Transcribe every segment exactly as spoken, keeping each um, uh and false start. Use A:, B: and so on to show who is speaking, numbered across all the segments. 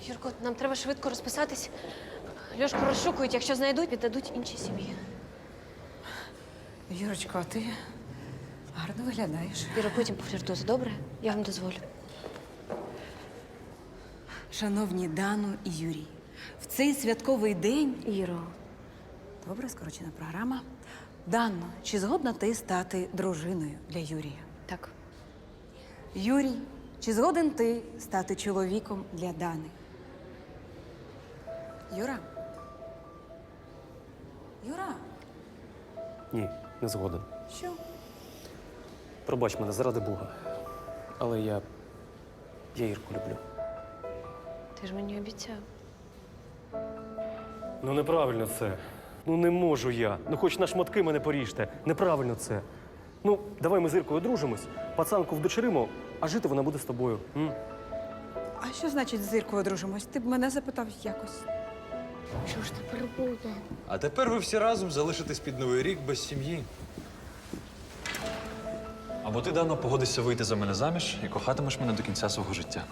A: Юрко, нам треба швидко розписатись. Льошку розшукують, якщо знайдуть, віддадуть іншій сім'ї.
B: Юрочко, а ти гарно виглядаєш.
A: Юра, потім пофліртуйте, добре? Я вам дозволю.
B: Шановні Дану і Юрій, в цей святковий день…
A: Іро.
B: Добре, скорочена програма. Дано, чи згодна ти стати дружиною для Юрія?
A: Так.
B: Юрій, чи згоден ти стати чоловіком для Дани? Юра? Юра?
C: Ні, не згоден.
B: Що?
C: Пробач мене, заради Бога. Але я. я Ірку люблю.
A: Ти ж мені обіцяв.
C: Ну неправильно це. Ну не можу я. Ну хоч на шматки мене поріжте. Неправильно це. Ну, давай ми з Іркою одружимось, пацанку вдочеримо, а жити вона буде з тобою. М?
B: А що значить з Іркою одружимось? Ти б мене запитав якось.
D: Що ж тепер буде?
E: А тепер ви всі разом залишитесь під Новий рік без сім'ї. Або ти давно погодишся вийти за мене заміж і кохатимеш мене до кінця свого життя.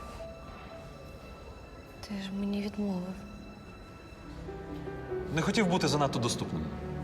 A: Ти ж мені відмовив.
E: Не хотів бути занадто доступним.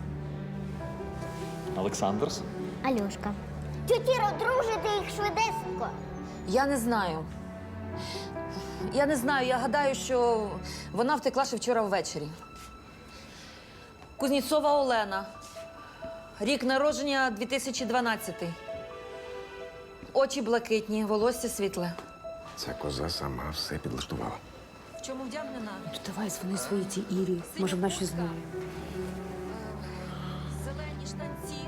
E: Олександрс?
D: Альошка. Тютіро, дружите їх швидесенько.
F: Я не знаю. Я не знаю. Я гадаю, що вона втекла ще вчора ввечері. Кузнєцова Олена. Рік народження дві тисячі дванадцятий. Очі блакитні, волосся світле.
G: Ця коза сама все підлаштувала.
F: В чому вдягнена?
H: Давай дзвони своїй цій Ірі. Може, вона щось знає.
F: Зелені штанці.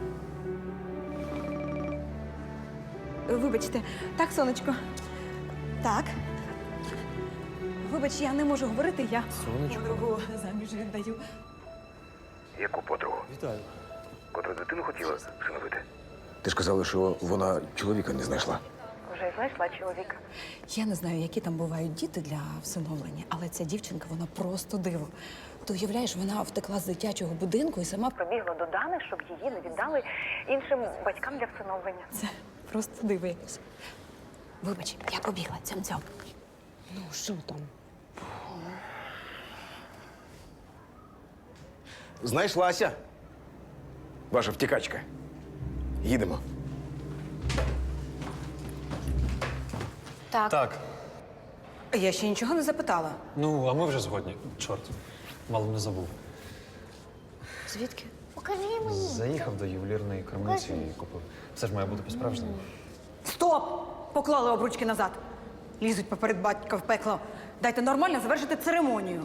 B: Вибачте, так, сонечко? Так. Вибач, я не можу говорити, я
C: Сонечко.
B: подругу заміж віддаю.
G: Яку подругу?
C: Вітаю.
G: Котра дитину хотіла всиновити? Ти ж казала, що вона чоловіка не знайшла.
B: Вже знайшла чоловіка. Я не знаю, які там бувають діти для всиновлення, але ця дівчинка, вона просто диво. Ти уявляєш, вона втекла з дитячого будинку і сама
I: Пробігла до Дани, щоб її не віддали іншим батькам для всиновлення.
B: це просто диво якесь. Вибач, я побігла, цьом-цьом.
H: Ну, що там?
G: Знайшлася. Ваша втікачка. Їдемо.
A: Так.
E: Так.
B: Я ще нічого не запитала.
E: Ну, а ми вже згодні. Чорт. Мало не забув.
A: Звідки?
D: Покажи мені.
E: Заїхав до ювелірної крамниці і купив. Все ж має бути по-справжньому.
B: Стоп! Поклали обручки назад. Лізуть поперед батька в пекло. Дайте нормально завершити церемонію.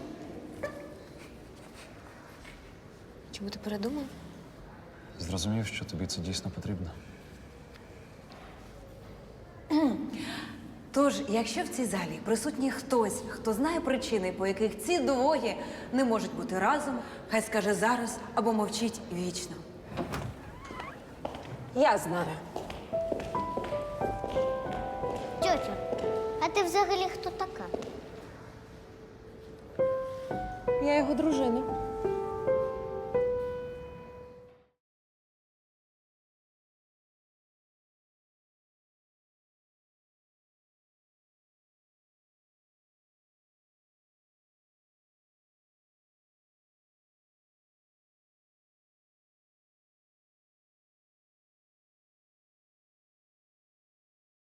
A: Чому ти передумав?
E: Зрозумів, що тобі це дійсно потрібно.
B: Тож, якщо в цій залі присутній хтось, хто знає причини, по яких ці двоє не можуть бути разом, хай скаже зараз або мовчить вічно.
H: Я знаю.
D: Тьотю, а ти взагалі хто така?
H: Я його дружина.